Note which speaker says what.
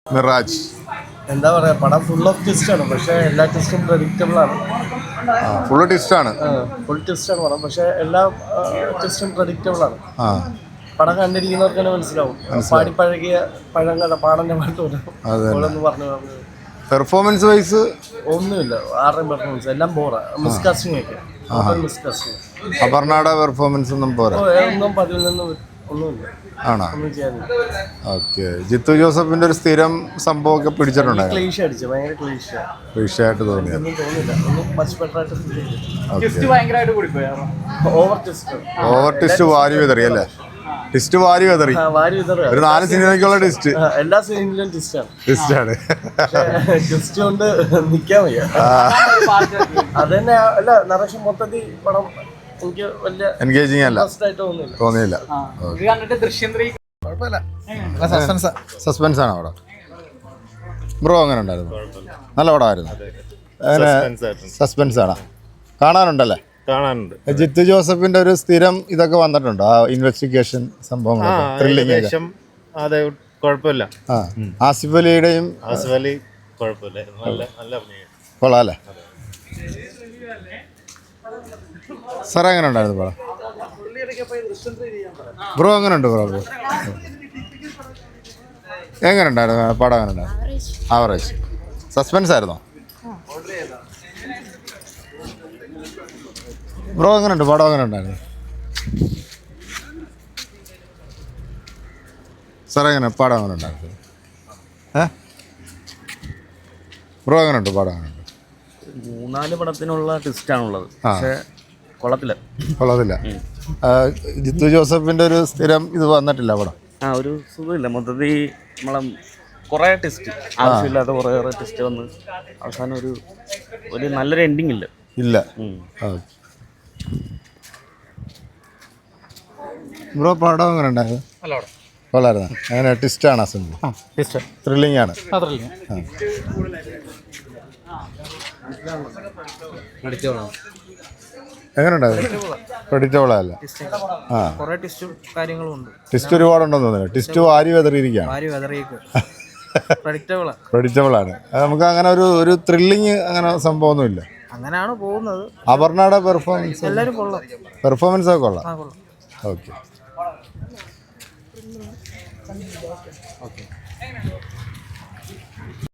Speaker 1: മിറാജ്
Speaker 2: എന്താ പറയുക, പടം ഫുൾ ഓഫ് ട്വിസ്റ്റാണ്. പക്ഷേ എല്ലാ ട്വിസ്റ്റും പ്രഡിക്റ്റബിൾ ആണ്.
Speaker 1: ഫുള്ള് ട്വിസ്റ്റാണ്.
Speaker 2: ഫുൾ ട്വിസ്റ്റാണ് പടം, പക്ഷേ എല്ലാ ട്വിസ്റ്റും പ്രഡിക്റ്റബിൾ ആണ്. പടം കണ്ടിരിക്കുന്നവർക്ക് തന്നെ മനസ്സിലാവും. പാടിപ്പഴകിയ പഴങ്ങളുടെ പാടൻ്റെ പാട്ടൊന്ന് പറഞ്ഞു.
Speaker 1: പെർഫോമൻസ് വൈസ്
Speaker 2: ഒന്നുമില്ല. ആരുടെയും പെർഫോമൻസ് എല്ലാം ബോറാ. മിസ്കാസ്റ്റിംഗ് ഒക്കെ മിസ്കാസ്റ്റിംഗ്.
Speaker 1: അപർണയുടെ പെർഫോമൻസ് ഒന്നും പോരാ.
Speaker 2: ഒന്നും പതിൽ നിന്നും ഒന്നുമില്ല.
Speaker 1: ആണോ?
Speaker 2: ഒന്നും ചെയ്യാനില്ല.
Speaker 1: ഓക്കെ. ജിത്തു ജോസഫിന്റെ ഒരു സ്ഥിരം സംഭവമൊക്കെ പിടിച്ചിട്ടുണ്ടായിരുന്നു.
Speaker 2: ക്ലീഷ അടിച്ചു, ഭയങ്കര
Speaker 1: ക്ലീഷയായിട്ട് തോന്നിയത്.
Speaker 2: ഒന്നും തോന്നില്ല. ഒന്നും മച്ച് ബെറ്റർ ആയിട്ട്
Speaker 1: ഓവർ ട്വിസ്റ്റ് വാരി വിതറി അല്ലേ? ട്വിസ്റ്റ് വാരി വിതറി. ഒരു 4 സിനിമയ്ക്കുള്ള ട്വിസ്റ്റ്.
Speaker 2: എല്ലാ സിനിമയിലും
Speaker 1: ട്വിസ്റ്റാണ്.
Speaker 2: ട്വിസ്റ്റ് കൊണ്ട് നിൽക്കാൻ വയ്യ. അത് തന്നെ അല്ല, നറേഷൻ മൊത്തത്തിൽ പടം എനിക്ക് വലിയ
Speaker 1: എൻഗേജിങ് അല്ല, തോന്നിയില്ല. സസ്പെൻസ് ആണ് അവിടെ. ബ്രോ അങ്ങനെ ഉണ്ടായിരുന്നു? നല്ല പടമായിരുന്നു. സസ്പെൻസ് ആണ്. കാണാനുണ്ടല്ലേ?
Speaker 3: കാണാനുണ്ട്.
Speaker 1: ജിത്തു ജോസഫിന്റെ ഒരു സ്ഥിരം ഇതൊക്കെ വന്നിട്ടുണ്ടോ? ആ ഇൻവെസ്റ്റിഗേഷൻ സംഭവങ്ങളൊക്കെ, ത്രില്ലിംഗ് ഒക്കെ.
Speaker 3: അതെ, കുഴപ്പമില്ല.
Speaker 1: ആസിഫ് അലിയുടെയും കൊള്ളാം അല്ലേ? സാറേ എങ്ങനെ ഉണ്ടായിരുന്നു പടം? ബ്രോ എങ്ങനെ ഉണ്ട്? ബ്രോ എങ്ങനെ ഉണ്ടായിരുന്നു പടം? എങ്ങനെ ഉണ്ടായിരുന്നു? ആവറേജ്. സസ്പെൻസ് ആയിരുന്നോ? ബ്രോ എങ്ങനെ ഉണ്ട് പടം? എങ്ങനെ ഉണ്ടായിരുന്നു സാറേ? എങ്ങനെ പടം എങ്ങനെ ഉണ്ടായിരുന്നു? ബ്രോ എങ്ങനെ ഉണ്ട് പടം? എങ്ങനെ ഉണ്ട്?
Speaker 4: 3-4 പടത്തിനുള്ള ട്വിസ്റ്റാണുള്ളത്, പക്ഷേ കൊള്ളത്തില്ല.
Speaker 1: ജിത്തു ജോസഫിന്റെ ഒരു സ്ഥിരം ഇത് വന്നിട്ടില്ല പടം.
Speaker 4: ഒരു സുഖമില്ല മൊത്തത്തിൽ. നമ്മളെ കുറേ ടെസ്റ്റ് ആവശ്യമില്ലാത്ത കുറേ ടെസ്റ്റ് വന്ന് അവസാനം ഒരു നല്ലൊരു എൻഡിങ് ഇല്ല.
Speaker 1: ബ്രോ പടം എങ്ങനെ ഉണ്ടായിരുന്നു? കൊള്ളായിരുന്നു. അങ്ങനെ ട്വിസ്റ്റാണ്. ത്രില്ലിംഗ് ആണ്. എങ്ങനെ ഉണ്ടായിരുന്നു? പ്രഡിക്റ്റബിൾ അല്ല. ട്വിസ്റ്റ് ഒരുപാടുണ്ടെന്ന് തോന്നുന്നു. ട്വിസ്റ്റ് വാരി വെതറിയിരിക്കുകയാണ്. പ്രഡിക്റ്റബിൾ ആണ്. നമുക്ക് അങ്ങനെ ഒരു ത്രില്ലിങ് അങ്ങനെ സംഭവമൊന്നുമില്ല.
Speaker 2: അങ്ങനെയാണ് പോകുന്നത്.
Speaker 1: അപർണയുടെ പെർഫോമൻസ് ഒക്കെ കൊള്ളാം. ഓക്കെ.